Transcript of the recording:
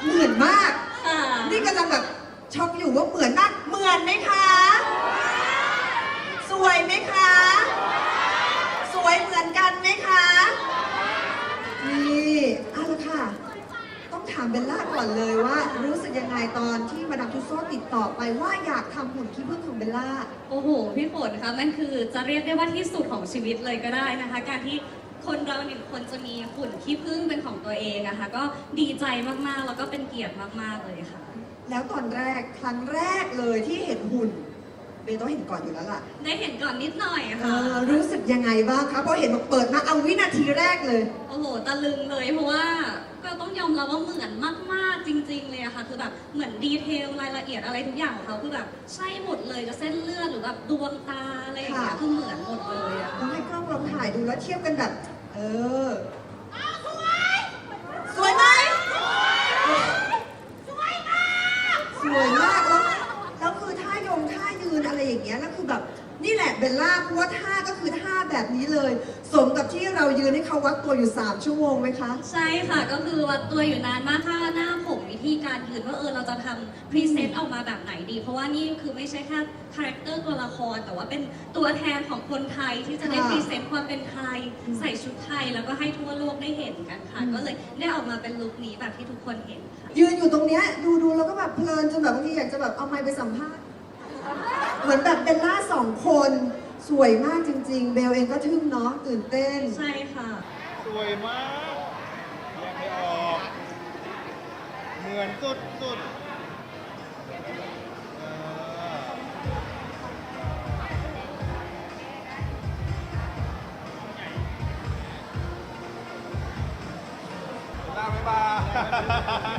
เหมือนมากค่ะนี่กำลังแบบช็อกอยู่ว่าเหมือนมาก เหมือนไหมคะ สวยไหมคะ สวยเหมือนกันไหมคะ นี่เอาละค่ะ ต้องถามเบลล่าก่อนเลยว่า รู้สึกยังไงตอนที่มาดามทุสโซติดต่อไปว่าอยากทำหุ่นขี้ผึ้งของเบลล่าโอ้โห พี่ฝนคะมันคือจะเรียกได้ว่าที่สุดของชีวิตเลยก็ได้นะคะ การที่คนเราหนึ่งคนจะมีหุ่นขี้ผึ้งเป็นของตัวเองอะคะก็ดีใจมากๆ แล้วก็เป็นเกียรติมากๆเลยค่ะแล้วตอนแรกครั้งแรกเลยที่เห็นหุ่นเบลต้องเห็นก่อนอยู่แล้วล่ะได้เห็นก่อนนิดหน่อยค่ะรู้สึกยังไงบ้างคะพอเห็นบอกเปิดมาเอาวินาทีแรกเลยโอ้โห ตะลึงเลยเพราะว่าก็ต้องยอมรับว่าเหมือนมากๆจริง ๆ เลยอะค่ะคือแบบเหมือนดีเทลรายละเอียดอะไรทุกอย่างของเขาคือแบบใช่หมดเลยจะเส้นเลือดหรือแบบดวงตาอะไรอย่างเงี้ยค่ะคือเหมือนหมดเลยอะต้องให้กล้องลองถ่ายดูแล้วเทียบกันแบบ สวยไหมสวยมากแล้วคือท่ายงท่ายืนอะไรอย่างเงี้ยแล้วคือแบบนี่แหละเบลล่าเพราะว่าท่าก็คือท่าแบบนี้เลย สมกับที่เรายืนให้เขาวัดตัวอยู่3 ชั่วโมงไหมคะใช่ค่ะก็คือวัดตัวอยู่นานมากท่าหน้าผมวิธีการยืนว่าเราจะทำพรีเซนต์ออกมาแบบไหนดี เพราะว่านี่คือไม่ใช่แค่คาแรคเตอร์ตัวละคร แต่ว่าเป็นตัวแทนของคนไทยที่จะได้ค่ะพรีเซนต์ความเป็นไทย ใส่ชุดไทยแล้วก็ให้ทั่วโลกได้เห็นกันค่ะ ก็เลยได้ออกมาเป็นลุคนี้แบบที่ทุกคนเห็นค่ะยืนอยู่ตรงเนี้ยดูแล้วก็แบบเพลินจนแบบบางทีอยากจะแบบเอาไมค์ไปสัมภาษณ์เหมือนแบบเบลล่า2 คนสวยมากจริงๆ เบลเองก็ทึ่งเนาะตื่นเต้นใช่ค่ะสวยมากแยกไม่ออก เหมือนสุดสุดลาบ๊ายบาย